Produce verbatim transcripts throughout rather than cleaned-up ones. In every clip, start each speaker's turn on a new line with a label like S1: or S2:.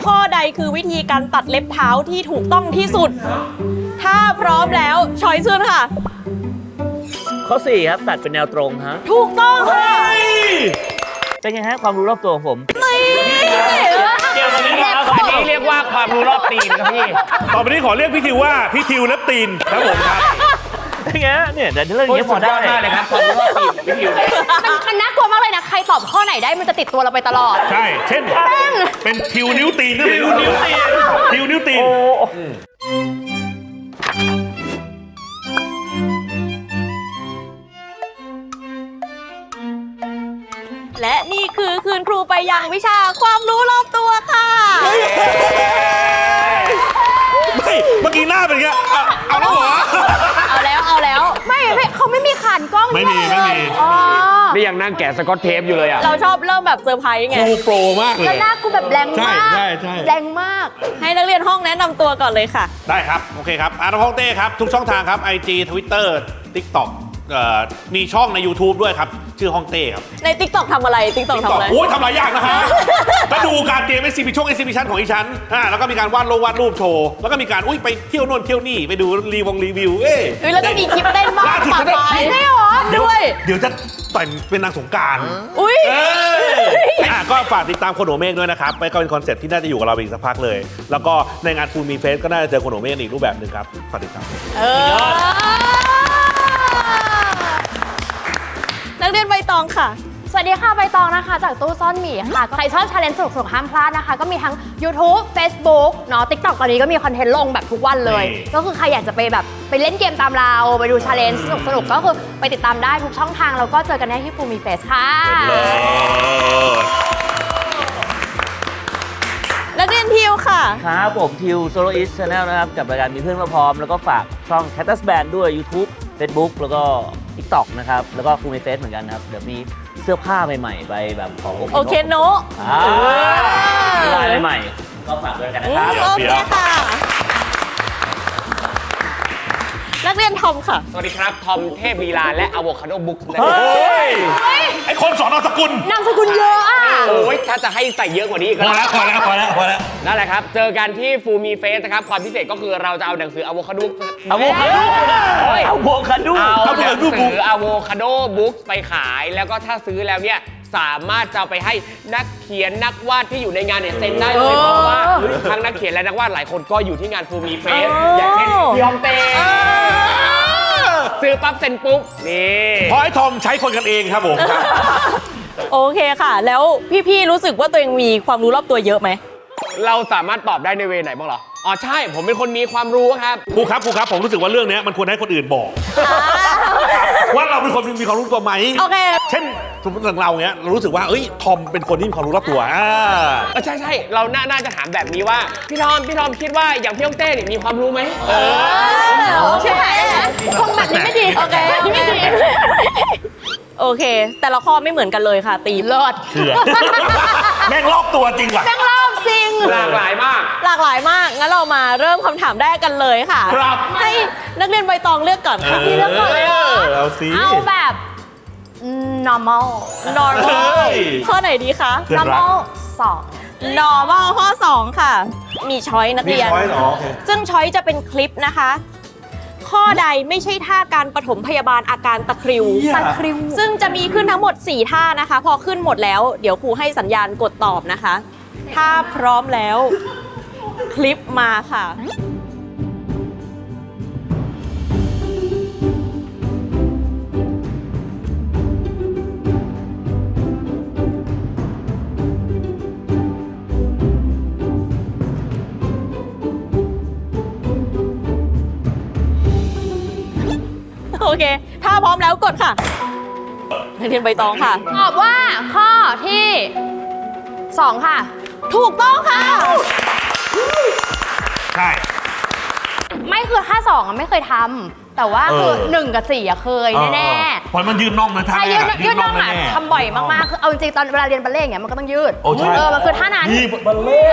S1: ข้อใดคือวิธีการตัดเล็บเท้าที่ถูกต้องที่สุดถ้าพร้อมแล้วชอยซ์ค่ะ
S2: ข้อสี่ครับตัดเป็นแนวตรงฮะ
S1: ถูกต้องค่ะ
S2: เป็นไงฮะความรู้รอบตัวของผม
S3: เกี่ยวกับนี้ครับอันนี้เรียกว่าความรู้รอบตีนครับพี่ต่อไปนี้ขอเรียกพี่ทิวว่าพี่ทิวเล็บตีนครับผมครับ
S2: เป็นไงเนี่ยแต่เรื่องนี้พอได้
S3: มากเลยครับความรู้รอบตีนพี่ทิว
S4: มันมันน่ากลัวมากเลยนะใครตอบข้อไหนได้มันจะติดตัวเราไปตลอด
S3: ใช่เช่นเป็นทิวนิ้วตีนทิวนิ้วตีนทิวนิ้วตีน
S1: และนี่คือคืนครูไปยังวิชาความรู้รอบตัวค่ะ
S3: ไม่เมื่อกี้หน้าเป็นไงเอาแล้วเหรอ
S4: เอาแล้วเอาแล้วไม่ไม่เขาไม่มีขานกล้อง
S3: ไม่มีไม่มี
S4: นี่
S3: ยังนั่งแกะสกอตเทปอยู่เลยอ่ะ
S1: เราชอบเริ่มแบบเซอร์ไพรส์ไง
S3: ครูโปรมากเลย
S4: แล้วหน้ากูแบบแรงมาก
S3: ใช่ใช่
S4: แรงมาก
S1: ให้นักเรียนห้องแนะนำตัวก่อนเลยค่ะ
S3: ได้ครับโอเคครับอาร์ตฮ่องเต้ครับทุกช่องทางครับ ไอ จี ทวิตเตอร์ ติ๊กต็อก มีช่องใน ยูทูบ ด้วยครับชื่อฮ่องเต้ครับ
S1: ใน ติ๊กต็อก ทำอะไร ติ๊กต็อก ทำอะไร
S3: โอ้ยทำหลายอย่างนะฮะก็ดูการเตรียมเอ็กซิบิชั่นเอ็กซิบิชันของอีชั้นอ่าแล้วก็มีการวาดลงวาดรูปโชว์แล้วก็มีการอุ้ยไปเที่ยวโน่นเที่ยวนี่ไปดูรีวงรีวิวเอ้
S1: ยแล้วก็มีคลิปเต้นบ้างปะปายไม่หรอด้วย
S3: เดี๋ยวจะแต่งเป็นนางสงกรานต์
S1: อุ้ย
S3: อ่าก็ฝากติดตามคนหัวเมฆด้วยนะครับไปก็เป็นคอนเซ็ปต์ที่น่าจะอยู่กับเราอีกสักพักเลยแล้วก็ในงานฟูลมีเฟสก็น่าจะเจอคนหัวเมฆอีกรูปแบบหนึ่งครับฝากติดตาม
S1: นักเรียนใบตองค่ะ
S4: สวัสดีค่ะใบตองนะคะจากตู้ซ่อนหมีค่ะใครชอบชาเลนจ์สนุกๆห้ามพลาดนะคะก็มีทั้ง ยูทูบ เฟซบุ๊ก เนาะ ติ๊กต็อก ตอนนี้ก็มีคอนเทนต์ลงแบบทุกวันเลยก็คือใครอยากจะไปแบบไปเล่นเกมตามเราไปดูชาเลนจ์สนุกๆก็คือไปติดตามได้ทุกช่องทางแล้วก็เจอกันได้ที่ฟูมีเฟสค่ะ
S1: นักเรียนทิวค่ะ
S2: ครับผมทิวโซโลอิสชาแนลนะครับกับรายการมีเพื่อนมาพร้อมแล้วก็ฝากช่อง Cactus Band ด้วย ยูทูบ เฟซบุ๊ก แล้วก็ ติ๊กต็อก นะครับแล้วก็ฟูมีเฟสเหมือนกันครับเดี๋ยวมีเสื้อผ้าใหม่ๆไปแบบของ
S1: โอเคโน
S2: ลายใหม่ก็ฝากด้วยกันนะครับ
S1: โอเคค่ะนักเรียนทอมค่ะ
S5: สวัสดีครับทอมเทพลีลาและอะโวคาโดบุ๊ก
S3: เฮ้ยไอคนสอนนามสกุล
S4: นามสกุลเยอะอ่ะ
S5: โอ้ยถ้าจะให้ใส่เยอะกว่านี้ก็
S3: พอแล้วพอแล้วพอแล้วพอแล้ว
S5: นั่นแหละครับเจอกันที่ฟูมีเฟสนะครับความพิเศษก็คือเราจะเอาหนังสืออะโวคาโด
S2: อะโวคาโดอะโวคาโด
S5: เอาหนังสืออะโวคาโดบุ๊กไปขายแล้วก็ถ้าซื้อแล้วเนี่ยสามารถจะไปให้นักเขียนนักวาดที่อยู่ในงานเนี่ยเซ็นได้เลยเพราะว่าทั้งนักเขียนและนักวาดหลายคนก็อยู่ที่งานฟูมีเฟสอย่างเช่นพี่ฮองเต้ซื้อปั๊บเซ็นปุ๊บนี่
S3: พอไอ้ทอมใช้คนกันเองครับผม
S1: โอเคค่ะแล้วพี่ๆรู้สึกว่าตัวเองมีความรู้รอบตัวเยอะไหม
S5: เราสามารถตอบได้ในเวไหนบ้างเหรออ๋อใช่ผมเป็นคนมีความรู้ครับ
S3: ครูครับครูครับผมรู้สึกว่าเรื่องนี้มันควรให้คนอื่นบอกว่าเราเป็นคนมีความรู้ตัวไหม
S1: โอเค
S3: เช่นสมมติอย่างเราเนี้ยเรารู้สึกว่าเอ้ยทอมเป็นคนที่มีความรู้รอบตัวอ่า
S5: ใช่ใช่เราน่าจะถามแบบนี้ว่าพี่ทอมพี่ทอมคิดว่าอย่างพี่ฮองเต้เนี่ยมีความรู้ไหมเอ
S1: อโอเคคงแบบนี้ไม่ดีโอเคไม่ดีโอเคแต่ละข้อไม่เหมือนกันเลยค่ะตีเลิศ
S3: เชื่อแม่งรอบตัวจริงว่ะ
S1: แม่งรอบจริง
S5: หลากหลายมาก
S1: หลากหลายมากงั้นเรามาเริ่มคำถามแรกกันเลยค่ะ
S3: ครับ
S1: ให้นักเรียนใบตองเลือกก่อนค่ะพี่เลือกก่อนเลย
S3: เอาสิ
S4: เอาแบบ normal
S1: normal ข้อไหนดีคะ
S4: normal สอง
S1: normal ข้อสองค่ะมีช้อยนักเรียนซึ่งช้อยจะเป็นคลิปนะคะข้อใดไม่ใช่ท่าการปฐมพยาบาลอาการตะคริว
S4: ตะคริว
S1: ซึ่งจะมีขึ้นทั้งหมดสี่ท่านะคะพอขึ้นหมดแล้วเดี๋ยวครูให้สัญญาณกดตอบนะคะถ้าพร้อมแล้วคลิปมาค่ะโอเคถ้าพร้อมแล้วกดค่ะนักเรียนใบตองค่ะ
S4: ตอบว่าข้อที่สองค่ะ
S1: ถูกต้องค่ะ
S3: ใช่
S4: ไม่คือท่าสองอะไม่เคยทำแต่ว่าคือหนึ่งกับสี่อะเคยแน่
S3: ๆเพราะมันยืดน่องนะท่า
S4: ใช่ยืดยืดน่องอะทำบ่อยมากๆคือเอาจริงๆตอนเวลาเรียนบัลเล่ต์อย่างเงี้ยมันก็ต้องยืดเออมันคือท่านั้น
S3: บัลเล่ต์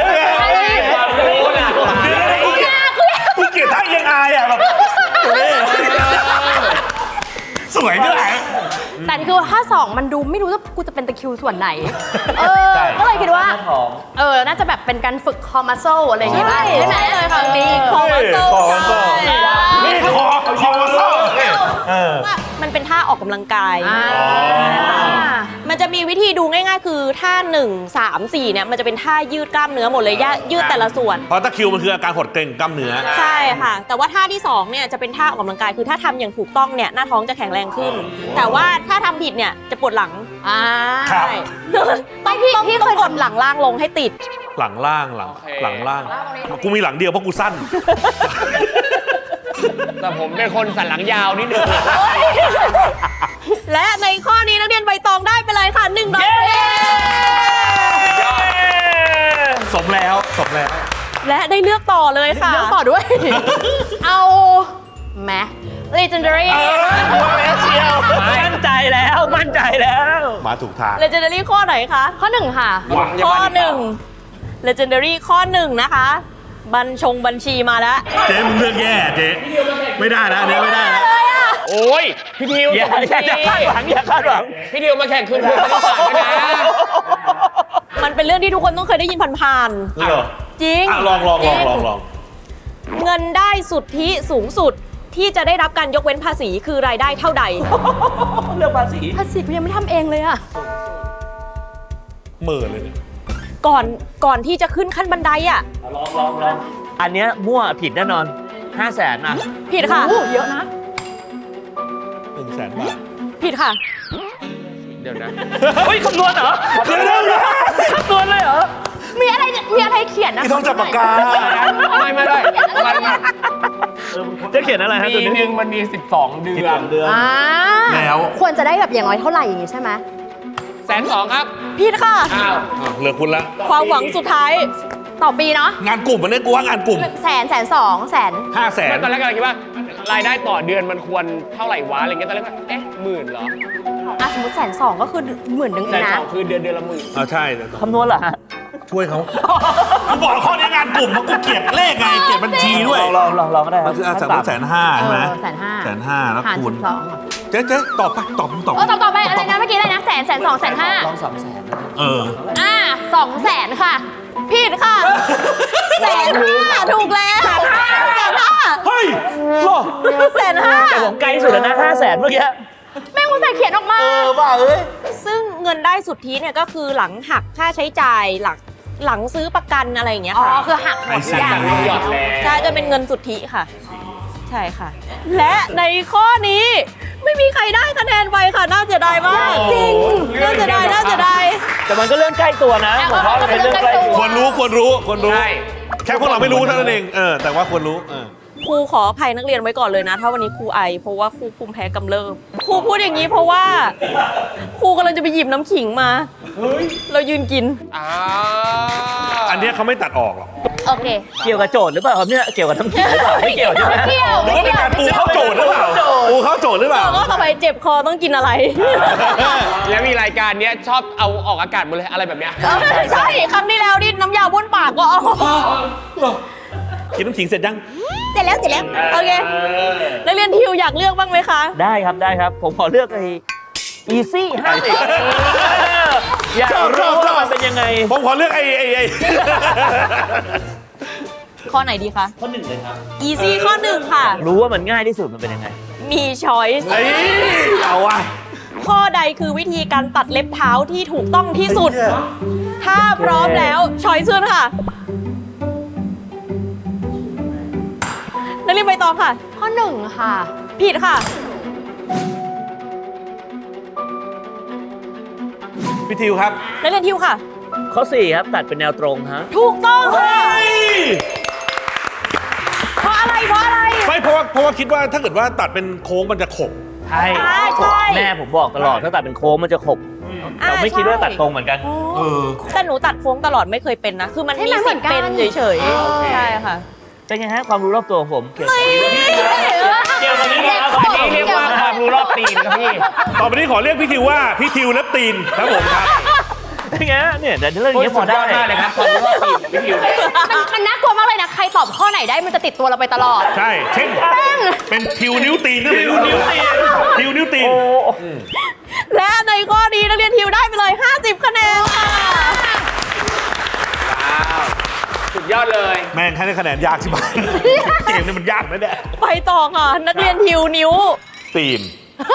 S3: กูเกลียดท่ายังอายอะแบบสวยด้วย
S4: แต่คือถ้าสองมันดูไม่รู้ว่ากูจะเป็นตะคริวส่วนไหน เออ
S2: ใช่
S4: ก็เลยคิดว่า
S2: หน้ท้อง
S4: เออ น่าจะแบบเป็นการฝึกคอมัสเซลอะไรอย่างเงี้ย
S1: ใช่
S4: ใช่ไหม
S1: เลยค่ะมีคอมัสเซล
S3: คอมัสเซล นี่คอคอมาเซอร์เออ
S1: ว่ามันเป็นท่าออกกำลังกาย
S4: อ่า
S1: มันจะมีวิธีดูง่ายๆ คือท่าหนึ่ง สาม สี่เนี่ยมันจะเป็นท่ายืดกล้ามเนื้อหมดเลยย่ายืดแต่ละส่วน
S3: เพราะตะคริวมันคืออาการหดเกร็งกล้ามเนื้อ
S1: ใช่ค่ะ แต่ว่าท่าที่สองเนี่ยจะเป็นท่าออกกำลังกายคือถ้าทำอย่างถูกต้องเนี่ยหน้าท้องจะแข็งแรงขึ้น แต่ว่าถ้าทำผิดเนี่ยจะปวดหลัง
S4: อ่า
S3: ครับ
S1: ใช่ต้องพี่พี่เคยกดหลังล่างลงให้ติด
S3: หลังล่างหลัง
S5: โอเค
S3: หลังล่าง กูมีหลังเดียวเพราะกูสั้น
S5: แต่ผมเป็นคนสันหลังยาวนิดนึง
S1: และในข้อนี้นักเรียนใบตองได้ไปเลยค่ะหนึ่งร้อยคะแนน
S3: สมแล้วสมแล้ว
S1: และได้เลือกต่อเลยค่ะ
S4: เลือกต่อด้วย เอาแม legendary
S2: มั่นใจแล้วมั่นใจแล้ว
S3: มาถูกทาง
S1: legendary ข้อไหนคะ
S4: ข้อหนึ่งค่ะ
S1: ข้อหนึ่ง legendary ข้อหนึ่งนะคะ บัญชงบัญชีมาแล้ว
S3: เจ๊มึงเลือกแย่เจ๊ไม่ได้นะอันนี้ไม่ได้นะ
S5: โอ้ย พี่ทิว
S2: อย่าอย่าอย่าคาดหวังอย่าคาดหวัง
S5: พี่ทิวมาแข่งคืนทุนคณิตศาสตร์ด้วยนะ
S1: มันเป็นเรื่องที่ทุกคนต้องเคยได้ยินผ่าน
S3: เหรอ
S1: ๆจริง
S3: อ่ะลองลองลองลองลอง
S1: เงินได้สุทธิสูงสุดที่จะได้รับการยกเว้นภาษีคือรายได้เท่าใด
S2: เรื่องภาษี
S4: ภาษีกูยังไม่ทำเองเลยอะ
S3: หมื่นเลยเนี่ย
S1: ก่อนก่อนที่จะขึ้นขั้นบันไดอ่ะ
S2: ลองลองลองอันเนี้ยมั่วผิดแน่นอนห้าแสนอ่ะ
S1: ผิดค่ะ
S4: โอ้เยอะนะ
S3: หนึ่งแสนบาท
S1: ผิดค่ะ
S5: เดี๋ยวนะ
S2: เฮ้ยคำนวณเหรอ
S3: เดี๋ยวเดี๋ยวเดี๋ยว
S2: คำนวณเลยเหรอ
S4: มีอะไรมีอะไรเขียนนะ
S3: นี่ต้องจับปากกา
S5: ไม่ไม่ไม่มันมัน
S2: จะเขียนอะไรฮะ
S5: ปี
S2: ตัว
S5: ห
S2: นี้
S5: นึ่งมันมี สิบสอง เดือน
S2: เดือน
S4: อ่า
S3: แล้ว
S4: ควรจะได้แบบอย่างน้อยเท่าไหร่อย่างงี้ใช่ไหม
S5: แสนสองครับ
S1: ผิดค่ะ
S5: อ้าว
S3: อ่ะเหลือคุณละ
S1: ความหวังสุดท้าย
S4: ต่อปีเนาะ
S3: งานกลุ่มมันเนี่ยกูว่างานกลุ่ม
S4: แสนแสนสองแสน
S3: ห้าแสน
S5: ตอนแรกกำลังคิดว่ารายได้ต่อเดือนมันควรเท่าไหร่วะอะไรเงี้ยตอนแรกว่าเอ๊ะหมื่นเหรอ
S4: อ่ะสมมติแสนสองก็คือหมื่นหนึ่งเอ
S5: แส
S4: ง
S5: น
S4: นะ
S5: สองคือเดือนเดือนละหมื่น
S3: อ่าใช่
S2: คำนวณเหรอฮะ
S3: ช่วยเขากูบอกข้อนี้งานกลุ่มมันกูเกลียดเลขไงเกลียดบัญชีด้วย
S2: ลองลองลองก็ได้ครั
S3: มันคืออาสามแสนห้าใช่ไหม
S4: แสนห้า
S3: แสนห้าแล้ว
S4: หาร
S3: คู
S4: สิ
S3: ณ
S4: บสอง
S3: เจ๊เจ๊ตอบไปตอบตอบ
S4: เออต่อต่อไปอะไรนะเมื่อกี้อะไรนะแสนแสนสองแสนห้า
S2: ลองสองแสน
S3: เออ
S4: อ่าสองแสนค่ะ
S1: ผิดค่ะแสนห้าถูกแล้วแสนห้า
S3: เฮ้ยหรอ
S1: แสนห้า
S2: แต่ผมไกลสุดแล้วนะห้าแสนเมื่อกี้
S4: แม่งกูใส่เขียนออกมา
S2: เออบ้าเอ้ย
S1: ซึ่งเงินได้สุทธิเนี่ยก็คือหลังหักค่าใช้จ่ายหลังหลังซื้อประกันอะไรอย่างเงี้ย
S4: อ๋อ
S1: ค่ะ
S4: คือหักหมดทุกอย่าง
S3: ไอ้สัตว์
S5: หยอดแล้ว
S1: ใช่จะเป็นเงินสุทธิค่ะ ใช่ค่ะ และในข้อนี้ไม่มีใครได้คะแนนไปค่ะ น่าเสียดายมาก
S5: จริง
S1: น่าเสียดายน่าเสียดาย
S2: แต่มันก็เรื่องใกล้ตัวนะผมว่ามันเป็นเรื่องใกล้ตัว
S3: ควรรู้ควรรู้ควรรู้
S5: ใช่
S3: แค่พวกเราไม่รู้เท่านั้นเองเออแต่ว่าควรรู้เออ
S1: ครูขออภัยนักเรียนไว้ก่อนเลยนะ ถ้าวันนี้ครูไอ เพราะว่าครูภูมิแพ้กำเริบครูพูดอย่างนี้เพราะว่าครูกำลังจะไปหยิบน้ำขิงมา เรายืนกิน
S5: อ่า
S3: อันเนี้ยเขาไม่ตัดออกหรอก
S4: โอเค
S2: เกี่ยวกับโจทย์หรือเปล่าครับเนี่ยเกี่ยวกับทั้งทีมหรือเปล่าไม่เกี่ยวใช่ไหม
S4: เกี่ยว
S3: หรือว่าเป็นการปูเข้าโจทย์หรือเปล่าปูเข้าโจทย์หรือเปล่า
S1: ก็ต่อไปเจ็บคอต้องกินอะไร
S5: แล้วมีรายการเนี้ยชอบเอาออกอากาศหมดเลยอะไรแบบเนี้ย
S1: ใช่ครั้งที่แล้วนี่น้ำยาบ้วนปากก็เอา
S3: กินน้ำขิงเสร็จยัง
S1: เสร็จแล้วเสร็จแล้วโอเคนักเรียนทิวอยากเลือกบ้างไหมคะ
S2: ได้ครับได้ครับ ผมขอเลือกไอ้ easy ห้าสิบอยากรู้ว่ามันเป็นยังไง
S3: ผมขอเลือกไอ้ไอ้ไอ้
S1: ข้อไหนดีคะ
S2: ข้อหนึ่งเลยครับ
S1: easy ข้อหนึ่งค่ะ
S2: รู้ว่ามันง่ายที่สุดมันเป็นยังไง
S1: มี choice
S3: ไอ้เอาว่ะ
S1: ข้อใดคือวิธีการตัดเล็บเท้าที่ถูกต้องที่สุด ถ้าพร้อมแล้วช้อยซ์ค่ะนักเรียนใบตองค่ะ
S4: ข้อหนึ่งค่ะ
S1: ผิดค่ะ
S3: พี่ทิวครับ
S1: นักเรียนทิวค่ะ
S2: ข้อสี่ครับตัดเป็นแนวตรงฮะ
S1: ถูกต้องค่ะ
S3: เฮ้ย
S1: เพราะอะไรเพราะอะไร
S3: ไม่เพราะว่าเพราะว่าคิดว่าถ้าเกิดว่าตัดเป็นโค้งมันจะขบ
S2: ใช่
S1: ใช่ใช่
S2: แม่ผมบอกตลอดถ้าตัดเป็นโค้งมันจะขบเราไม่คิดว่าตัดตรงเหมือนกัน
S3: เออ
S1: แต่หนูตัดโค้งตลอดไม่เคยเป็นนะ คือมัน
S4: ใช่
S1: มี
S4: ไหมเหมื
S1: สิ
S4: อ
S1: ท
S4: น
S1: ธิ์
S4: กัน
S1: เป็นเฉยๆใช่ค่ะ
S2: เป็นไงฮะความรู้รอบตัวของผมเกี่ยวกับ
S5: เกี่ยวกับนี้นะครับอันนี้เรียกว่าความรู้รอบตีนครับพี่
S3: ต่อไปนี้ขอเรียกพี่ทิวว่าพี่ทิวเล็บตีนครับผมครับ
S2: เป็นไงฮะเนี่ยแต่เรื่องนี้พอได้
S5: สุยมากเลยครับความรู้รอบตีนกับพี่ทิวเนี่ย
S4: มันมันน่ากลัวมากเลยนะ ใครตอบข้อไหนได้มันจะติดตัวเราไปตลอด
S3: ใช่ เช่น เป็นทิวนิ้วตีนก็ไม่รู้นิ้วตีนทิวนิ้วตีน
S1: และในข้อนี้นักเรียนทิวได้ไปเลย ห้าสิบ คะแนนค่ะ
S5: ว้าวสุดยอดเลย
S3: แม่งให้ได้คะแนนยากใช่ไหม เกมนี้มันยากนะเนี่ย
S1: ไปต่อค่ะ นักเรียนทิวนิ้ว
S3: ตีน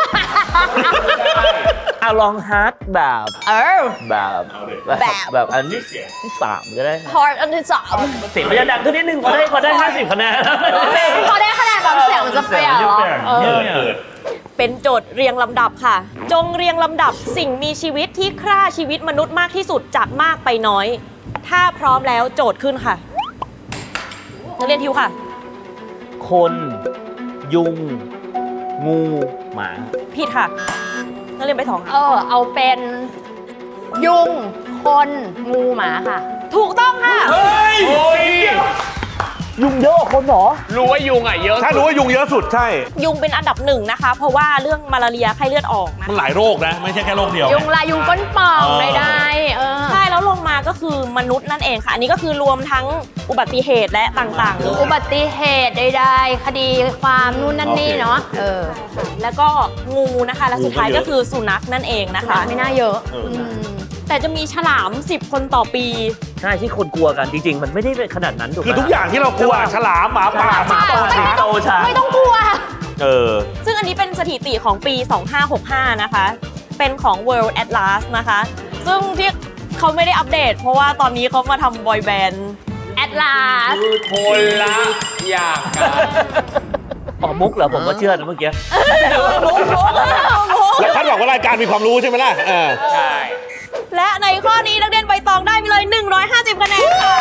S2: อ่ะลองฮาร์ดแบบ
S1: เออ
S2: แบบ
S1: แบบ
S2: แบบอันที่ที่สามก็ได้
S1: พอร์ตอันที่สาม
S2: เสียงมันจะดังขึ้นนิดนึงพอได้พอได้ห้าสิบคะแนน
S4: พอได้คะแนนแบบเสียงมันจะเปลี่ยนเหรอ
S2: เออ
S1: เป็นโจทย์เรียงลำดับค่ะ จงเรียงลำดับสิ่งมีชีวิตที่ฆ่าชีวิตมนุษย์มากที่สุดจากมากไปน้อย ถ้าพร้อมแล้วโจทย์ขึ้นค่ะ นักเรียนทิวค่ะ
S2: คน ยุง งู หมา
S1: ผิดค่ะ นักเรียนไปสอง
S4: เอ
S1: ค่ะ
S4: อ เอาเป็นยุง คน งูหมาค่ะ
S1: ถูกต้องค่ะ
S3: เฮ้ย
S5: โอ้ย
S2: ยุงเยอะกว่าคนเหรอ
S5: รู้ว่ายุงอ่ะเยอะ
S3: ถ้ารู้ว่ายุงเยอะสุดใช่
S1: ยุงเป็นอันดับหนึ่งนะคะ เพราะว่าเรื่องมาลาเรียไข้เลือดออกนะ
S3: มันหลายโรคนะ ไม่ใช่แค่โรคเดียว
S4: ยุงลายยุงก้นป่อง
S3: เออ
S4: ได้ๆเออ
S1: ใช่แล้วลงมาก็คือมนุษย์นั่นเองค่ะ อันนี้ก็คือรวมทั้งอุบัติเหตุและต่างๆเลย
S4: อุบัติเหตุใดๆคดีความนู่นนั่นนี่เนาะเออ
S1: แล้วก็งูนะคะ และสุดท้ายก็คือสุนัขนั่นเองนะคะ
S4: ไม่น่าเยอะ
S3: เอออื
S4: ม
S1: แต่จะมีฉลามสิบคนต่อปี
S2: ใช่ที่คนกลัวกันจริงๆ มันไม่ได้เป็นขนาดนั้นถูกไหม
S3: คือทุกอย่างที่เรากลัวฉลามหมาป่าหมา
S2: ใช่
S3: ป่า
S2: ใช่
S3: ช้าง
S2: โตช้าง
S4: ไม่ต้องกลัว
S3: เออ
S1: ซึ่งอันนี้เป็นสถิติของปี สองพันห้าร้อยหกสิบห้า นะคะ เป็นของ World Atlas นะคะ ซึ่งที่เขาไม่ได้อัปเดต เพราะว่าตอนนี้เขามาทำบอยแบนด์
S4: แอดลาส
S5: คนละอย่างกัน
S2: อ๋อมุกเหรอผมก็เชื่อนะเมื่อกี้
S1: มุกมุกมุก
S3: แล้วคาดหวังว่ารายการมีความรู้ใช่ไหมล่ะ เออ
S5: ใช่
S1: และในข้อนี้นักเรียนใบตองได้ไปเลย หนึ่งร้อยห้าสิบ คะแนนค่ะ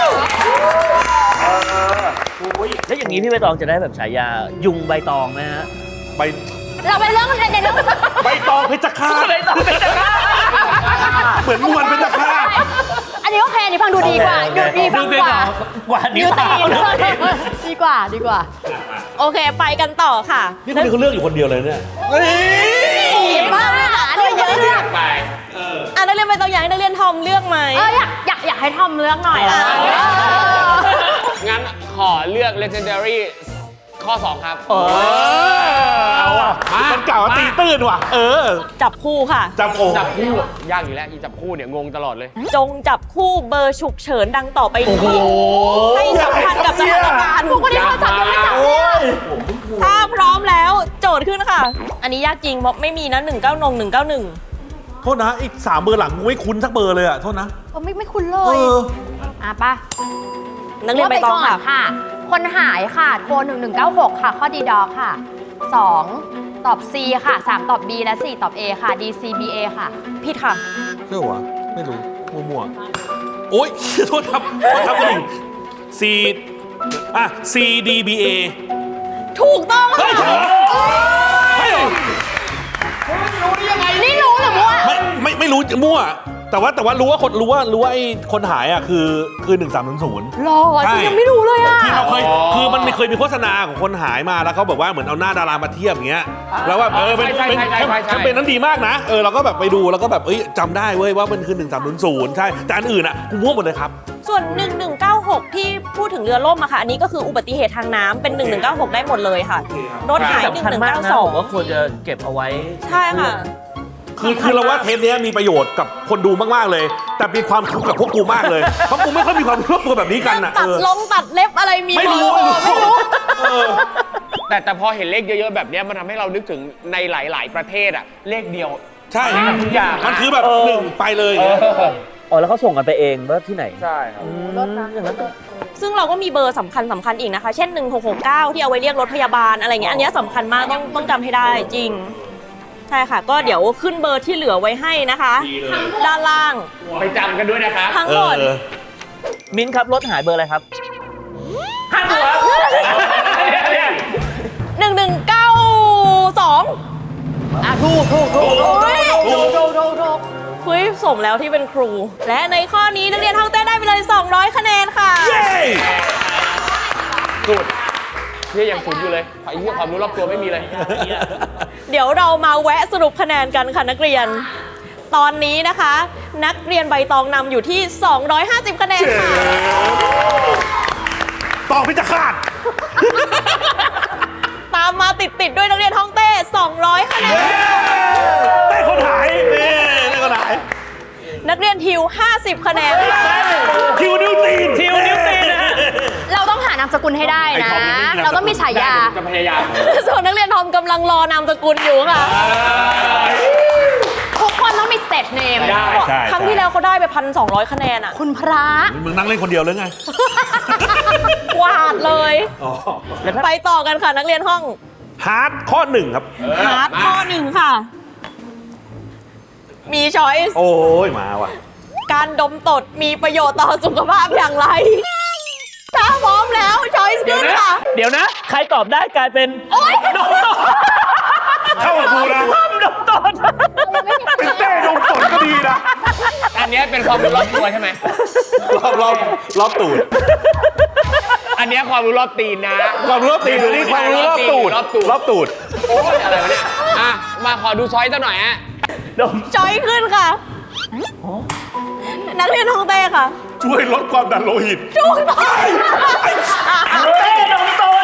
S2: แล้วอย่างนี้พี่ใบตองจะได้แบบฉายายุงใบตองนะฮะ
S3: ใบ
S4: เราไปเรื่องในเรื่อง
S3: ใบตองเพชรฆาต
S2: ใบตองเป็นจะฆ่า
S3: เหมือนมวลเพชรฆาต
S4: อันนี้โอเคอันนี้ฟังดูดีกว่าดูดีฟังกว่า
S2: กว่านิ้
S4: นิ
S2: ว
S4: วตี
S2: เท้าน
S4: ดีกว่าดีกว่า
S1: โอเค ไปกันต่อค่ะ
S3: นี่คนนี้เขาเลือกอยู่คนเดียวเลยเนี่ย
S4: บ้าอันนี้เยอะเลือก
S5: ไป
S1: อ่ะนักเรียนใบตองอยากให้นักเรียนทอมเลือกไหม
S4: เอออยากอยากอยากให้ทอมเลือกหน่อยอะ
S5: งั้นขอเลือก legendary ข้อ สอง ครับ
S2: เออ
S3: เอาอ่ะ
S5: มา
S3: มันเก่าตีตื้นว่ะ เออ
S1: จับคู่ค่ะ
S3: จำโอ้
S5: จับคู่ ยากอยู่แล้วอีจับคู่เนี่ยงงตลอดเลย
S1: จงจับคู่เบอร์ฉุกเฉินดังต่อไปนี้ให้สัมพันธ์กับสถานการณ์
S4: พวกคนที่เขาจับยังไม่จับเนี่ย
S1: ถ้าพร้อมแล้วโจทย์ขึ้นค่ะ อันนี้ยากจริงเพราะไม่มีนะหนึ่งเก้าหนึ่ง หนึ่งเก้าหนึ่ง
S3: โทษนะไอ้สามเบอร์หลังกูไม่คุ้นสักเบอร์เลยอ่ะ โทษนะ
S4: เออไม่ไม่คุ้นเล
S3: เอย อ
S4: อ่ะปะ
S1: นักเรียนใบตองค่ะ
S4: ค่ะ คนหายค่ะ โทรหนึ่งหนึ่งเก้าหกค่ะ ข้อดีดอค่ะสองตอบ C ค่ะสามตอบ B และสี่ตอบ A ค่ะ D C B A ค่ะ
S1: ผิดค่ะ
S3: เชื่อวะไม่รู้ มั่วๆ โอ๊ย โทษครับโทษครับคุณหญิง C อ่ะ C D B A
S1: ถูกต้อง
S3: เฮ้ย
S1: ค่ะ
S3: เฮ้ย
S4: นี่รู้หรือมั่ว
S3: ไม่ไม่ไม่รู้มั่ว แต่ว่าแต่ว่ารู้ว่าคนรู้ว่ารู้ว่าไอ้คนหายอ่ะคือคือหนึ่งสามศูนย์ศูนย์
S4: รอฉันยังไม่รู้เลยอ่ะ
S3: คือเราเคย
S5: อ๋อ
S3: คือมันเคยมีโฆษณาของคนหายมาแล้วเขาแบบว่าเหมือนเอาหน้าดารามาเทียบอย่างเงี้ยแล้วว่าเออเป็น
S5: ใช่
S3: เป็น
S5: ใช่ใช่ใช่
S3: แคมเปญนั้นดีมากนะเออเราก็แบบไปดูแล้วก็แบบเอ้ยจำได้เว้ยว่ามันคือหนึ่งสามศูนย์ศูนย์ใช่แต่อันอื่นอ่ะกูมั่วหมดเลยครับ
S1: ส่วน หนึ่งหนึ่งเก้าหก ที่พูดถึงเรือล่มอะค่ะ อันนี้ก็คืออุบัติเหตุทางน้ำเป็น หนึ่งหนึ่งเก้าหก ได้หมดเลยค่ะ รถหาย
S2: สำคัญมากนะผมว่าควรจะเก็บเอาไว้
S1: ใช่ค่ะ
S3: คือคือเราว่าเทปเนี้ยมีประโยชน์กับคนดูมากๆเลย แต่มีความทุกข์กับพวกกูมากเลยเพราะกูไม่ค่อยมีความรู้ตัวแบบนี้กันอ่ะ
S1: ตัด
S3: เออ
S1: ลงตัดเล็บอะไรมี
S3: ไม่รู้
S1: หด
S3: ไม่รู้เออ
S5: แต่แต่พอเห็นเลขเยอะๆแบบเนี้ยมันทำให้เรานึกถึงในหลาย ๆ ประเทศอะเลขเดียว
S3: ใช่
S5: ทุกอย่าง
S3: มันคือแบบ
S2: เออ
S3: หนึ่งไปเลย
S5: เอ
S3: เนี่ย
S5: อ
S2: อ๋อแล้วเขาส่งกันไปเองว่าที่ไหน
S5: ใช่ครับ
S2: อืมอย่างนั้นก็
S1: ซึ่งเราก็มีเบอร์สำคัญสำคัญอีกนะคะ เช่น หนึ่งหกหกเก้า ที่เอาไว้เรียกรถพยาบาลอะไรเงี้ย อันเนี้ยสำคัญมากต้องต้องจำให้ได้จริง ใช่ค่ะ ก็เดี๋ยวขึ้นเบอร์ที่เหลือไว้ให้นะคะ ด้านล่าง
S5: ไปจำกันด้วยนะครับ
S1: ทั้ง
S3: เอ
S1: หมด
S3: อ
S2: มิ้นท์ครับรถหายเบอร์อะไรครับห้าตัว
S1: หนึ่งหนึ่งเก้าสอง
S4: อ่ะถูกถูกถูกถูก
S1: โอ้ย
S4: ถูกถูกถูกถูก
S1: คุยสมแล้วที่เป็นครู และในข้อนี้นักเรียนท่องเต้นได้ไปเลย สองร้อย คะแนนค่ะ
S3: เย้
S5: สุดเนี่ยยังศูนย์อยู่เลยไอ้เรื่องความรู้รอบตัวไม่มีเลย
S1: เดี๋ยวเรามาแวะสรุปคะแนนกันค่ะนักเรียน ตอนนี้นะคะ นักเรียนใบตองนำอยู่ที่ สองร้อยห้าสิบ คะแนนค่ะ
S3: ตองพิจารณ
S1: ตามมาติดๆด้วยนักเรียนท่องเต้ สองร้อย คะแนน
S3: แต่คนหาย
S1: นักเรียนทิว ห้าสิบ คะแนนค่ะ
S3: ทิวนิวตีน
S2: ทิวนิวตีนนะฮะ
S4: เราต้องหานามสกุลให้ได้
S3: ไอ้
S4: นะ
S3: ทอมยังไม่มีนามสกุล
S4: เราต้องมีฉายา
S5: จะพยายาม
S1: ส่วนนักเรียนทอมกำลังรอนามสกุลอยู่ค่ะ
S4: ทุกคนต้องมีสเตจเนม
S5: ได้
S3: ใช่
S1: ครั้งที่แล้วเขาได้ไปพันสองร้อยคะแนนอ่ะ
S4: คุณพระ
S3: มึงนั่งเล่นคนเดียวเลยไง
S1: กวาดเลย
S3: อ๋อ
S1: ไปต่อกันค่ะนักเรียนห้อง
S3: ฮาร์ดข้อหนึ่งครับ
S1: ฮาร์ดข้อหนึ่งค่ะ มีช้อยส์
S3: โอ้ยมาว่ะ
S1: การดมตดมีประโยชน์ต่อสุขภาพอย่างไร ถ้าพร้อมแล้วช้อยส์ขึ้นค่ะ
S2: เดี๋ยวนะ ใครตอบได้กลายเป็น
S1: โอ๊ย
S2: ดมตด
S3: เข้ากับกูนะ
S2: ดมตด
S3: เป็นเต้ดมตดก็ดีนะ
S5: อันเนี้ยเป็นความรู้รอบตัวใช่ไหม
S3: รอบรอบรอบตูด
S5: อันเนี้ยความรู้รอบตีนนะ
S3: ความรู้รอบตีนหรือนี่ความรู้รอบตูด
S5: รอบตูด
S3: รอบตูด
S5: โอ้ยอะไรวะเนี่ย อ่ะ มาขอดูช้อยสักหน่อยฮะ
S2: ดม
S1: ช้อยส์ขึ้นค่ะ นักเรียนห้องเต้ค่ะ
S3: ช่วยลดความดันโลหิต
S1: ถูกต้อง
S2: เต้ดมตด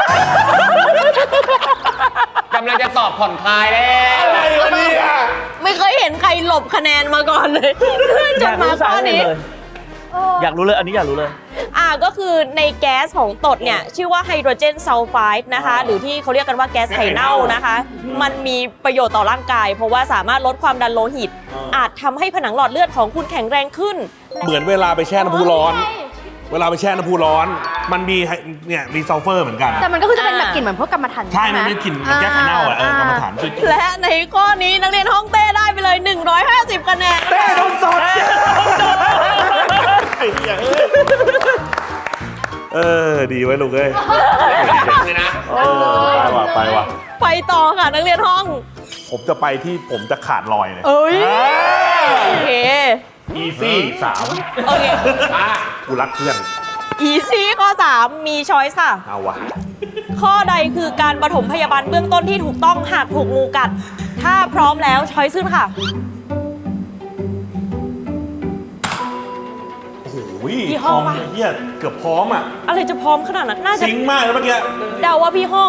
S5: กำลังจะตอบผ่อนคลายแล้ว
S3: อะไรวะเนี่ย
S1: ไม่เคยเห็นใครหลบคะแนนมาก่อนเลยจ
S2: อน ยาก
S1: มา
S2: รู้
S1: ข้
S2: สา
S1: อ
S2: เหตุ
S1: นี้
S2: เลย อยากรู้เลย อันนี้อยากรู้เลย
S1: อ่าก็คือในแก๊สของตดเนี่ย ชื่อว่าไฮโดรเจนซัลไฟด์นะคะ หรือที่เขาเรียกกันว่าแก๊สไข่เน่านะคะ มันมีประโยชน์ต่อร่างกาย เพราะว่าสามารถลดความดันโลหิต อาจทำให้ผนังหลอดเลือดของคุณแข็งแรงขึ้น
S3: เหมือนเวลาไปแช่น้ำพุร้อน เวลาไปแช่น้ำพุร้อน มันมีไฮเนี่ยมีซัลเฟอร์เหมือนกัน
S4: แต่มันก็คือจะเป็นแบบกลิ่นเหมือนพวกกรรมฐาน
S3: ใช่
S4: ไห
S3: มันเป็นกลิ่นมันแก๊สไข่เน่าอ่ะเออกรรมฐาน
S1: และในข้อนี้นักเรียนห้องเต้ได้ไปเลย หนึ่งร้อยห้าสิบ คะแนน
S3: เต้ดมตดไอ้เหี้ยเอ้ยเออ ดีไว้ลูกเอ้ย
S5: เลยนะ
S3: ไปว่ะไปว่ะ
S1: ไปต่อค่ะนักเรียนห้อง
S3: ผมจะไปที่ผมจะขาดลอยเลย
S1: เอ้ย โอเค
S3: อีซี่สาม
S1: โอเค
S5: อ่ะ
S3: กูรักเพื่อน
S1: อีซี่ข้อ สาม มีช้อยส์ค่ะ
S3: เอาวะ
S1: ข้อใดคือการปฐมพยาบาลเบื้องต้นที่ถูกต้องหากถูกงูกัด ถ้าพร้อมแล้วช้อยส์ขึ้นค่ะ
S3: โอ้โห
S1: ยี่ห้อวะ
S3: เฮียเกือบพร้อมอ่ะ
S1: อะไรจะพร้อมขนาดนั้น น่าจะ
S3: ซิงค์มากเลยเมื่อกี้
S1: เดาว่าพี่ห้อง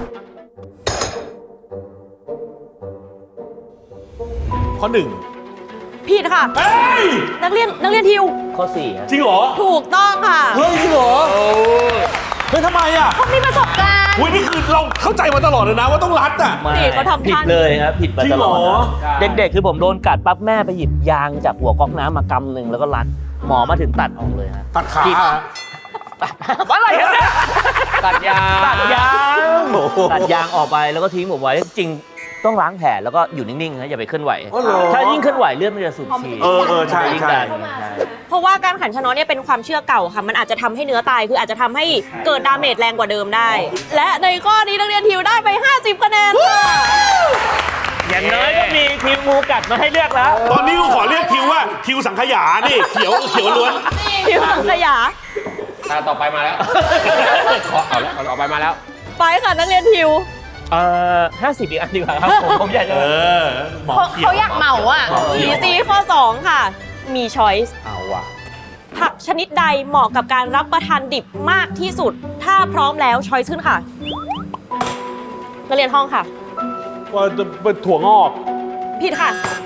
S3: ข้อหนึ่ง
S1: ผิดค่ะ
S3: เฮ้ย
S1: นักเรียนนักเรียนทิว
S2: ข้อสี่ฮะ
S3: จริงเหรอ
S1: ถูกต้องค่ะ
S3: เฮ้ยจริงเหรอเฮ้ยทำไมอ่ะ
S4: มีประสบการณ์
S3: อุ้ยนี่คือเราเข้าใจมาตลอดเลยนะว่าต้องรัดอ่ะ
S2: ไม่
S1: นี่เขาทำ
S2: ผิด
S1: ท่า
S2: เลยครับ ผิดมาตลอด
S3: จริงเหรอ
S2: นะเด็กๆ คือผมโดนกัดปั๊บแม่ไปหยิบยางจากหัวก๊อกน้ำมากำหนึ่งแล้วก็รัด หมอมาถึงตัดออกเลยฮะ
S3: ตัดขา
S2: ผิด
S3: อะ
S2: อะไรกันเนี่ย
S5: ตัดยา
S2: ตัดยาง
S3: โอ้โห
S2: ตัดยางออกไปแล้วก็ทิ้งผมไว้ จริงต้องล้างแผลแล้วก็อยู่นิ่งๆนะอย่าไปเคลื่อนไหว
S3: อ๋อเหรอ
S2: ถ้ายิ่งเคลื่อนไหวเลือดมันจะสูบฉีด
S3: เออเออใช่
S2: ยิ่ง
S3: ใช่
S2: ดัน
S1: เพราะว่าการขันชะน็อตเนี่ยเป็นความเชื่อเก่าค่ะ มันอาจจะทำให้เนื้อตาย คืออาจจะทำให้เกิดดาเมจแรงกว่าเดิมได้ และในข้อนี้นักเรียนทิวได้ไป ห้าสิบ คะแนนค่ะ
S2: อย่างน้อยก็มีทีมงูกัดมาให้เลือกแล้ว
S3: ตอนนี้กูขอเรียกทิวว่าทิวสังขยานี่เขียวเขียวล้วน
S1: ทิวสังขยา
S5: ตาต่อไปมาแล้ว ขอเอาแล้วเอาต่อไปมาแล้ว
S1: ไปค่ะนักเรียนทิว
S2: เอ่อห้าสิบอีกอันดีกว่าครับผมผมอยากจะ
S3: เออหมอ
S4: เขา
S3: เขีย
S4: เขา
S3: ว
S4: อยากเหมาอ่ะ
S1: อีซีข้อ สอง ค่ะ มีช้อยส์
S3: เอาว่ะ
S1: ผักชนิดใดเหมาะกับการรับประทานดิบมากที่สุด ถ้าพร้อมแล้วช้อยส์ขึ้นค่ะ นักเรียนห้องค่ะ
S3: ว่าจะเป็นถั่วงอก
S1: ผิดค่ะ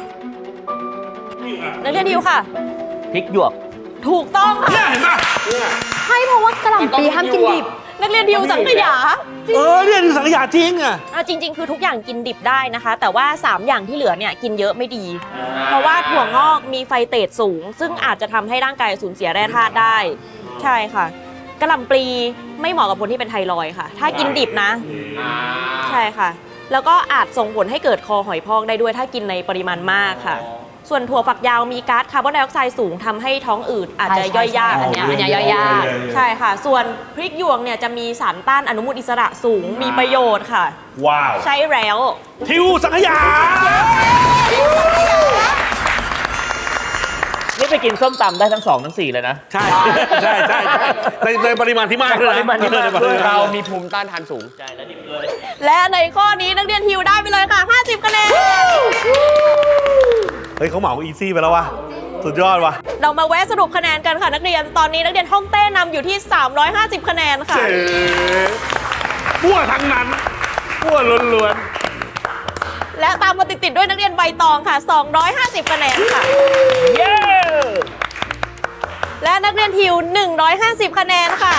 S1: นักเรียนทิวค่ะ
S2: พริกหยวก
S1: ถูกต้องค่ะ
S3: เนี่ยเห็นป่ะ
S4: ใช่เพราะว่ากระหล่ำปีห้ามกินดิบ
S1: นักเรียนทิวสังขยา
S3: เออเนี่ยทิวสังขยาจริงอ่ะ
S1: อ่ะจริง ๆ คือทุกอย่างกินดิบได้นะคะ แต่ว่า สาม อย่างที่เหลือเนี่ยกินเยอะไม่ดี เพราะว่าถั่วงอกมีไฟเตรดสูง ซึ่งอาจจะทำให้ร่างกายสูญเสียแร่ธาตุได้ ใช่ค่ะกระหล่ำปลีไม่เหมาะกับคนที่เป็นไทรอยด์ค่ะ ถ้ากินดิบนะ ใช่ค่ะ แล้วก็อาจส่งผลให้เกิดคอหอยพองได้ด้วยถ้ากินในปริมาณมากค่ะ ส่วนถั่วฝักยาวมีก๊าซคาร์บอนไดออกไซด์สูงทำให้ท้องอืดอาจจะย่อยยาก
S4: ใช่
S1: อันเนี้ย
S4: อันเนี้ยย่อยยาก
S1: ใช่ค่ะ ส่วนพริกหยวกเนี่ยจะมีสารต้านอนุมูลอิสระสูงมีประโยชน์ค่ะ
S3: ว้าว
S1: ใช่แล้ว
S3: ทิวสังขยา
S2: นี่ไปกินส้มตำได้ทั้งสองทั้งสี่เลยนะ
S3: ใช่ใช่ใช่ใช่ในในปริมาณที่มากเลยนะ
S2: ปริมาณที่มาก
S3: ในปริณ
S5: เรามีภูมิต้านทานสูง
S2: ใช่แล้วดิบเลย
S1: และในข้อนี้นักเรียนทิวได้ไปเลยค่ะ ห้าสิบ คะแนน
S3: เฮ้ยเขาเหมาอีซี่ไปแล้ววะสุดยอดวะ
S1: เรามาแวะสรุปคะแนนกันค่ะนักเรียน ตอนนี้นักเรียนห้องเต้นำอยู่ที่ สามร้อยห้าสิบ คะแนนค่ะ
S3: เจ๋มั่วทั้งนั้นมั่วล้วน
S1: และตามมาติดๆด้วยนักเรียนใบตองค่ะ สองร้อยห้าสิบ คะแนนค่ะ
S2: เย้
S1: และนักเรียนทิว หนึ่งร้อยห้าสิบ คะแนนค่ะ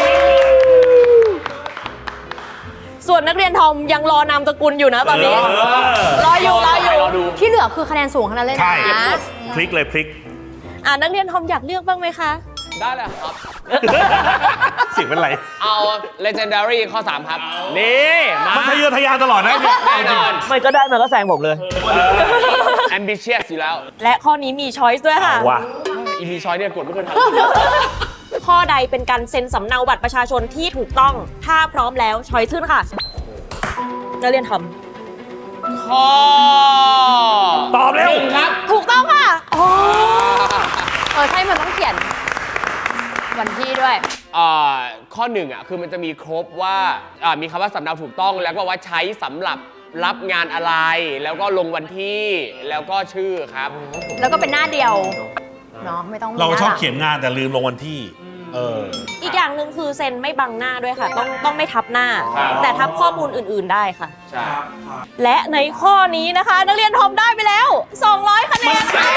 S1: ส่วนนักเรียนทอมยังรอนามสกุลอยู่นะตอนนี้ รออยู่รออยู่
S5: รอดู
S4: ที่เหลือคือคะแนนสูงขนาดเลยนะ
S3: ใช่พลิกเลยพลิก
S1: อ่านักเรียนทอมอยากเลือกบ้างไหมคะ
S5: ได้เลยครับ
S3: เสียงเป็นไร
S5: เอา legendary ข้อ สาม ครับ นี่มา
S3: มันทะเยอทะยานตลอดนะเนี่ย
S5: แน่นอน
S2: ไม่ก็ได้มันก็แซงผมเลย
S5: ambitious อยู่แล้ว
S1: และข้อนี้มีช้อยส์ด้วยค่ะ
S3: ว่ะ
S5: อีพีชอยเนี่ยกดไม่เคยทัน
S1: ข้อใดเป็นการเซ็นสำเนาบัตรประชาชนที่ถูกต้อง ถ้าพร้อมแล้วช้อยส์ขึ้นค่ะนักเรียนทอม
S5: ข้อ
S3: ตอบเร็ว
S5: หนึ่งครับ
S1: ถูกต้องค่ะ
S4: เออใช่มันต้องเขียนวันที่ด้วย
S5: อ่าข้อหนึ่งอ่ะคือมันจะมีครบว่าอ่ามีคำว่าสำเนาถูกต้องแล้วก็ว่าใช้สำหรับรับงานอะไร แล้วก็ลงวันที่แล้วก็ชื่อครับ
S4: แล้วก็เป็นหน้าเดียวเนาะไม่ต้องมี
S3: เราชอบ
S4: หลัง
S3: เขียนงานแต่ลืมลงวันที่ เออ
S1: อีกอย่างหนึ่งคือเซ็นไม่บังหน้าด้วยค่ะ ต้องต้องไม่ทับหน้า
S5: ครับ
S1: แต่ทับข้อมูลอื่น ๆได้ค่ะ
S5: ใช่
S1: และในข้อนี้นะคะ นักเรียนทอมได้ไปแล้ว สองร้อย คะแนนค่ะ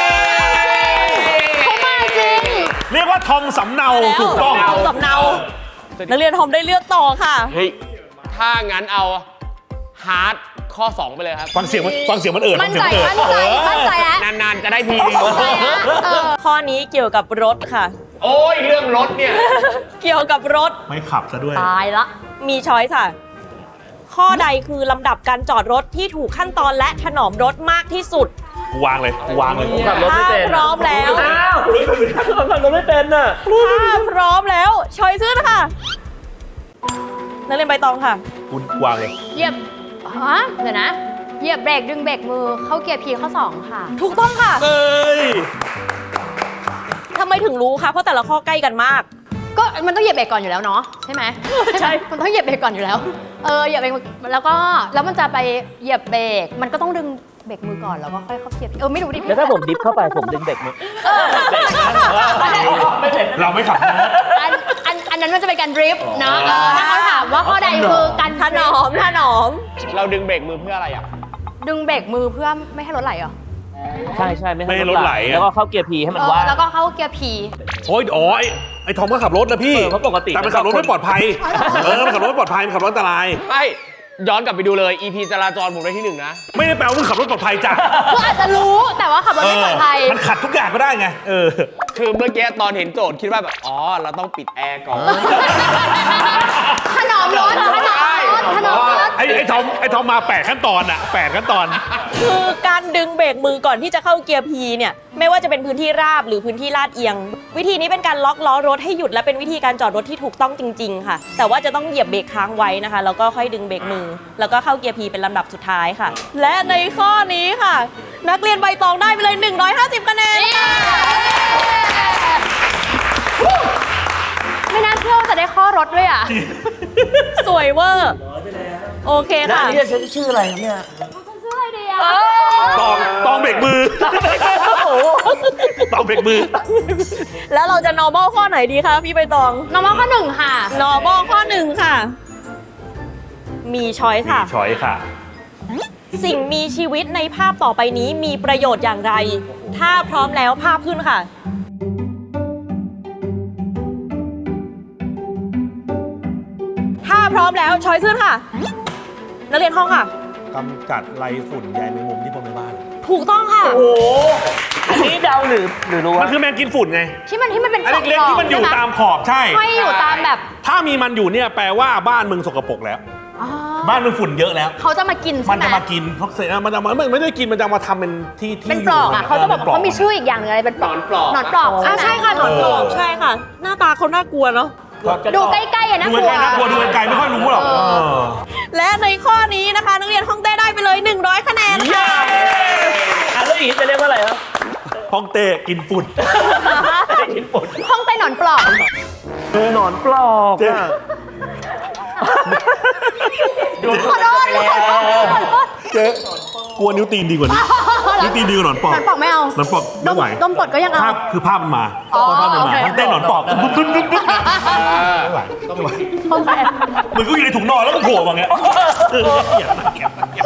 S4: เขามาจริง
S3: เรียกว่าทอมสำเนาถูกต้อง
S1: ทอมสำเนา นักเรียนทอมได้เลือกต่อค่ะ
S5: เฮ้ยถ้างั้นเอาฮาร์ดข้อ สอง ไปเลยครับ
S3: ฟังเสียงมันฟังเสียงมันเอิด
S4: มั่น
S3: ฟัง
S4: ใจ
S3: เสียงมันเอิด
S4: มั่นใจมั่นใจแล้ว
S5: นานๆ จะได้ทีนึง
S4: มั่นใจแล้วเออ
S1: ข้อนี้เกี่ยวกับรถค่ะ
S5: โอ้ย เรื่องรถเนี่ย
S1: เกี่ยวกับรถ
S3: ไม่ขับซะด้วย
S4: ตายละ
S1: มีช้อยส์ค่ะ ข้อใดคือลำดับการจอดรถที่ถูกขั้นตอนและถนอมรถมากที่สุด
S3: กูวางเลยกูวางเลย
S2: ผมขับรถไม่เป็น
S1: ถ้าพร้อมแล้ว
S2: อ้าวผมขับรถไม่เป็นน่ะ
S1: ถ้าพร้อมแล้วช้อยส์ค่ะ นักเรียนใบตองค่ะ
S3: กูวางเลย
S4: เหยียบฮะเดี๋ยวนะ เหยียบเบรกดึงเบรกมือเข้าเกียร์พีข้อสองค่ะ
S1: ถูกต้องค่ะ
S3: เอ้ย
S1: ทำไมถึงรู้คะเพราะแต่ละข้อใกล้กันมาก
S4: ก็มันต้องเหยียบเบรกก่อนอยู่แล้วเนาะใช่ไหม
S1: ใช่
S4: มันต้องเหยียบเบรกก่อนอยู่แล้ว เออเหยียบเบรกแล้วก็แล้วมันจะไปเหยียบเบรกมันก็ต้องดึงเบรกมือก่อนแล้วก็ค่อยเข้าเกียร์ P เออไม่รู้ดิพี่
S2: แล้วถ้าผมดิฟเข้าไปผมดึงเบรกมือ
S3: เราไม่ขับนะ
S4: อันอันอันนั้นมันจะเป็นการดริฟต์เนาะเออถ้าเขาถามว่าข้อใดคือการ
S1: ถนอมถนอม
S5: เราดึงเบรกมือเพื่ออะไรอ่ะ
S4: ดึงเบรกมือเพื่อไม่ให้รถไหลเหรอ
S2: ใช่ใช่ไม่
S3: ไม่ให้รถไหลอะ
S2: แล้วก็เข้าเกียร์พีให้มัน
S4: เออ
S2: ว่าง
S4: แล้วก็เข้าเกียร์ P
S3: โอ้ยอ๋อไอ้ไอ้ทอมก็ขับรถนะพี่
S2: เออเพราะปกติ
S3: แต่มันขับรถไม่ปลอดภัย เออ มันขับรถไม่ปลอดภัย มันขับรถอันตราย
S5: ไม่ย้อนกลับไปดูเลย อี พี จราจรผมได้ที่หนึ่งนะ
S3: ไม่ได้แปลว่ามึงขับรถปลอดภัยจ้ะ
S4: คืออาจจะรู้แต่ว่าขับรถไม่ปลอดภัย
S3: เออมันขัดทุกอย่างก็ได้ไง เออ
S5: คือเมื่อกี้ตอนเห็นโจทย์คิดว่าแบบ อ๋อ เราต้องปิดแอร์ก่อน
S4: ถนอมรถถนอมรถถนอมรถ
S3: ไอ้ไอ้ทอมไอ้ทอมมาแปดขั้นตอนอะแปดขั้นตอน
S1: คือการดึงเบรกมือก่อนที่จะเข้าเกียร์ P เนี่ยไม่ว่าจะเป็นพื้นที่ราบหรือพื้นที่ลาดเอียง วิธีนี้เป็นการล็อกล้อรถให้หยุดและเป็นวิธีการจอดรถที่ถูกต้องจริง ๆ ค่ะ แต่ว่าจะต้องเหยียบเบรกค้างไว้นะคะแล้วก็ค่อยดึงเบรกมือ แล้วก็เข้าเกียร์ P เป็นลำดับสุดท้ายค่ะ และในข้อนี้ค่ะ นักเรียนใบตองได้ไปเลย หนึ่งร้อยห้าสิบ คะแนนค่ะ
S4: ไม่น่าเชื่อว่าจะได้ข้อรถด้วยอ่ะ
S1: สวยเวอร์โอเค
S2: แล้ว
S1: ค่ะ
S2: อันนี้จะชื่ออะไรครับเนี่ย
S4: ชื่ออะไรดีอ่ะ
S3: ตองตองเบรกมือ ตองเบรกมือ
S1: แล้วเราจะ normal ข้อไหนดีคะพี่ใบตอง
S4: น้องมาข้อหนึ่งค่ะ
S1: normal ข้อหนึ่งค่ะ มีช้อยค่ะ
S3: ช้อยค่ะ
S1: สิ่งมีชีวิตในภาพต่อไปนี้มีประโยชน์อย่างไร ถ้าพร้อมแล้วภาพขึ้นค่ะ ถ้าพร้อมแล้วช้อยขึ้นค่ะ นักเรียนห้องค่ะ
S3: กำจัดไรฝุ่นใยแมงมุมที่พบในบ้าน
S1: ถูกต้องค่ะ
S2: โอ้โหอันนี้เดาหรือหรือรู้
S3: มั
S2: ว่า
S3: นคือแมงกินฝุ่นไง
S4: ที่มันที่มันเป็น
S3: อันเล็กๆที่มันอยู่ตามขอบใช่
S4: ห้อยอยู่ตามแบบ
S3: ถ้ามีมันอยู่เนี่ยแปลว่าบ้านมึงสกปรกแล้ว
S4: อ๋อ
S3: บ้านมึงฝุ่นเยอะแล้ว
S4: เขาจะมากิน
S3: มั
S4: ใช่
S3: น
S4: ไหม
S3: จะมากินเพราะเสร็จแล้วมันจะมาไม่ไม่ได้กินมันจะมาทำเป็นที่ที่
S4: เป็นปลอกอ่ะ
S3: ยู่
S4: เขาจะบอก
S3: ป็นปล
S4: เขามีชื่ออีกอย่างหนึงอะไรเป็นปลอก
S5: หนอนปลอก
S4: หนอนปลอก
S1: อ่าใช่ค่ะหนอนปลอก
S3: เออ
S1: ใช่ค่ะ หน้าตาเขาน่ากลัวเนาะ
S4: ดูใกล้ๆอ่ะนะ
S3: ดูไกลๆน่ากลัวดูไกลๆไม่ค่อยรู้หรอก
S4: เออ
S3: เออ
S1: และในข้อนี้นะคะ นักเรียนห้องเต้ได้ไปเลย หนึ่งร้อย คะแนนค่ะ
S2: อ่ะแล้วอย่างนี้จะเรียกว่าอะไรครับ
S3: ห้องเต้กินฝุ่น
S2: กินปุ่น
S4: ห้องใต้หนอนปลอก
S2: เออหนอนปลอก
S3: เจ๊
S2: อ่ะ
S4: ขอโทษขอโทษขอโทษ
S3: เจ๊กลัวนิ้วตีนดีกว่านี้นิ้วตีนดีกว่าหนอนปอก
S4: หนอนปลอกไม่เอา
S3: หนอนปอกไม่ไหว
S4: ดมปลดก็ยังเอา
S3: ภาพคือภาพมันมา
S4: อ๋อ
S3: ภาพมัน
S4: โอ
S3: มา
S4: เค
S3: ห้องเต้หนอนปอกบึ๊บบึ๊บบึ๊บบึ๊บไม่ไหวไม่ไหว
S4: ห้องใคร
S3: มึงก็อยู่ในถุงนอนแล้วก็โผล่มาเงี้ยเออเกลียดมากเกลียดมากเกลียดมาก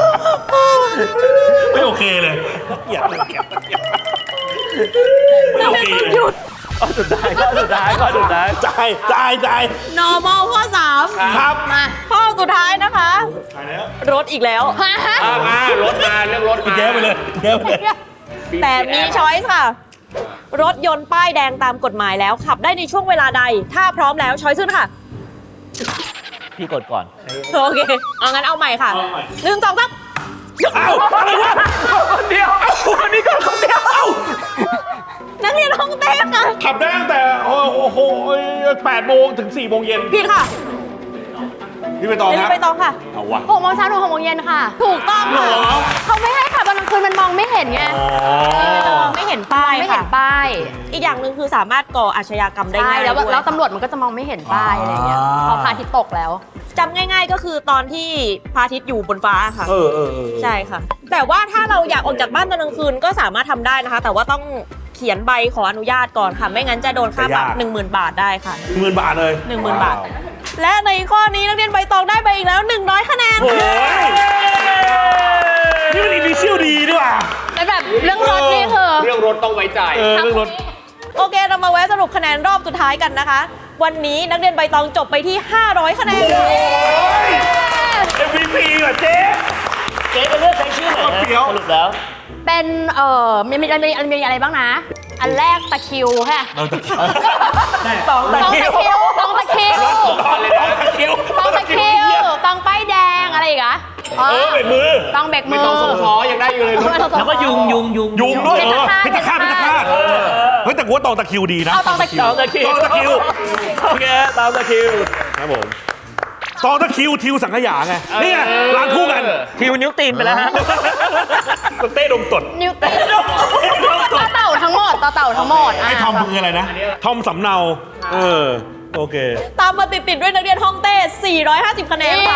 S3: ไม่โอเคเลยเกลียดเลยเกลียดเกลียดไม่โอเคเลย
S1: หยุด
S2: ข้อสุดท้ายข้อสุดท้ายข้อสุดท้าย
S3: จ่ายจ่ายจ่าย
S1: normal ข้อสาม
S3: ครับ
S4: มา
S1: ข้อสุดท้ายนะคะ
S3: จ่ายแล้ว
S1: รถอีกแล้ว
S4: ฮะ
S5: อ่ะมารถมาเรื่องรถมา
S3: แก้ไปเลยแก้ไปเลย
S1: แต่มีช้อยส์ค่ะ รถยนต์ป้ายแดงตามกฎหมายแล้วขับได้ในช่วงเวลาใด ถ้าพร้อมแล้วช้อยส์ขึ้นค่ะ
S2: พี่กดก่อน
S1: โอเค เอางั้นเอาใหม่ค่ะ
S3: เอาใหม่
S1: หนึ่งสองสาม
S3: เอ้าอะไรวะ
S2: คนเดียวคนนี้ก็คนเดียว
S3: เอ้า
S1: นักเรียนห้องเต้ค่ะ
S3: ขับได้ตั้งแต่โอ้โหแปดโมงถึงสี่โมงเย็น
S1: ผิดค่ะ
S3: พี่ไปตอง
S1: เรีย
S3: ครับ
S1: นไปตองค่ะ
S3: เอาวะ
S4: หกโมงเช้าถึงหกโมงเย็นค่ะ
S1: ถูกต้องค่ะ
S3: เหรอ
S4: เขาไม่ให้ขับตอนกลางคืนมันมองไม่เห็นไง
S3: อ๋อ
S1: ไม่เห็นป้าย
S4: ไม่เห็
S1: ค่ะ
S4: นป้าย
S1: อีกอย่างหนึ่งคือสามารถก่ออาชญากรรมได้
S4: ใช่
S1: ง่าย
S4: แล้ว
S1: ด้วย
S4: แล้วตำรวจมันก็จะมองไม่เห็นป้ายอะไรเงี้ย
S3: อ่า
S4: พอพระอาทิตย์ตกแล้ว
S1: จำง่าย ๆ ก็คือตอนที่พระอาทิตย์อยู่บนฟ้าค่ะ
S3: เออเออเออ
S1: ใช่ค่ะ แต่ว่าถ้าเราอยากออกจากบ้านตอนกลางคืนก็สามารถทำได้นะคะ แต่ว่าต้องเขียนใบขออนุญาตก่อนค่ะ ไม่งั้นจะโดนค่าปรับ หนึ่งหมื่น บาทได้ค่ะ
S3: หมื่นบาทเลย
S1: หนึ่งหมื่นบาท และในข้อนี้นักเรียนใบตองได้ไปอีกแล้วหนึ่งร้อยคะแนน
S3: โอ้ยนี่มันอินิเชียลดีด้วยว่ะ
S4: แล้วแบบเรื่องรถนี่คือ
S5: เรื่องรถต้องไว้ใจ
S3: เออเรื่องรถ
S1: โอเค เรามาแวะสรุปคะแนนรอบสุดท้ายกันนะคะ วันนี้นักเรียนใบตองจบไปที่ ห้าร้อยคะแนนเลย
S3: เอ็มวีพีว่ะเจ๊
S2: เจ๊ไปเลือกใช้ชื่อไหนนะ
S3: เปรี้ยว
S2: สรุปแล้ว
S4: เป็นเอ่อมีมีมีมีอะไรบ้างนะ อันแรกตะคริวค่ะ
S3: เราจะ
S2: ตอง
S4: ตองตะคริวตองตะคริว
S3: ตอนเลยนะคิว
S4: ตองตะคริวตองป้ายแดงอะไรอีกอะ
S3: เออเบรกมือ
S4: ตองเบรกมื
S5: ไม่
S4: อ
S5: ต้องส่งซ้อยังได้อยู่เลยรถ
S2: แล้วก็ยุงยุงยุง
S3: ยุงด้วยเออ
S4: เพ
S3: เพ
S4: ช
S3: ช
S4: ร
S3: ร
S4: ฆา
S3: ฆา
S4: ต
S3: ตเพชรฆาตเฮ้ยแต่กูว่าตองตะคริวดีนะ
S4: เอาตองตะคริว
S2: ตองตะคิว
S3: ตองตะคริว
S2: โอเคตองตะคิว
S3: ครับผมตองตะคริวทิวสังขยาไงนี่ไงร้านคู่กัน
S2: คิวนิ้วตีนไปแล้วฮะ
S3: เต้ดมตด
S4: นิวเต้ต่อเต่าทั้งหมดต่อเต่าทั้งหมด
S3: ไอ้ทอมคืออะไรนะ ทอมสำเนา เออ โอเค
S1: ตามมาติดๆด้วยนักเรียนห้องเต้ สี่ร้อยห้าสิบ คะแนนค่ะ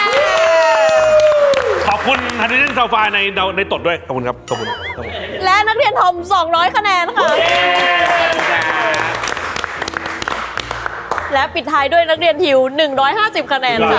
S3: ขอบคุณฮันนี่ซาวไฟในในตดด้วย ขอบคุณครับ ขอบคุณขอบคุณ
S1: และนักเรียนทอม สองร้อย คะแนนค่ะ และปิดท้ายด้วยนักเรียนทิว หนึ่งร้อยห้าสิบ คะแนนค่ะ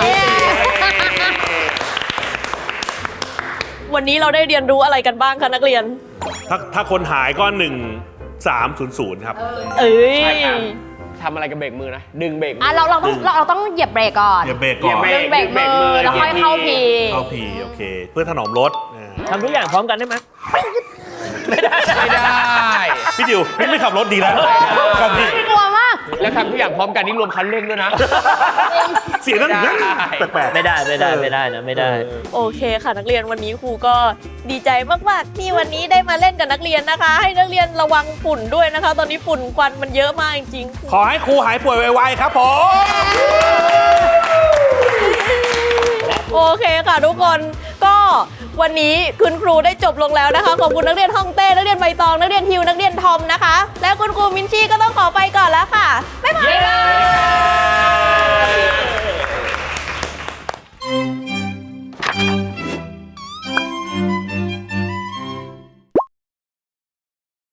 S1: วันนี้เราได้เรียนรู้อะไรกันบ้างคะนักเรียน
S3: ถ้าถ้าคนหายก็หนึ่งสามศูนย์ศูนย์ครับ
S1: เอ้ย
S5: ใช่ครับ ทำอะไรกับเบรกมือนะ ดึงเบรกมื
S4: อ่ะเราเราต้องเราเราต้องเหยียบเบรกก่อน
S3: อย่าเบรกก่อน
S5: เหยียบ
S4: เบรกเบรกมือแล้วค่อยเข้าพี
S3: เข้าพีโอเค เพื่อถนอมรถอ่า
S2: ทำทุกอย่างพร้อมกันได้ไหมไม่ได้
S5: ไม่ได้
S3: พี่ดิวพี่ไม่ขับรถดีแล้วขับพี่
S4: กลัวมาก
S5: แล้วทำทุกอย่างพร้อมกันนี่รวมคันเร่งด้วยนะ
S3: เสียงนั่น
S5: ได้
S3: แปลกๆ
S2: ไม่ได้ไม่ได้ไม่ได้นะไม่ได้
S1: โอเคค่ะนักเรียนวันนี้ครูก็ดีใจมากๆที่วันนี้ได้มาเล่นกับนักเรียนนะคะ ให้นักเรียนระวังฝุ่นด้วยนะคะ ตอนนี้ฝุ่นควันมันเยอะมากจริงๆ
S3: ขอให้ครูหายป่วยไวๆครับผม
S1: โอเคค่ะทุกคนก็วันนี้คุณครูได้จบลงแล้วนะคะ ขอบคุณนักเรียนห้องเต้นักเรียนใบตองนักเรียนทิวนักเรียนทอมนะคะ และคุณครูมินชี่ก็ต้องขอไปก่อนแล้วค่ะบ๊ายบาย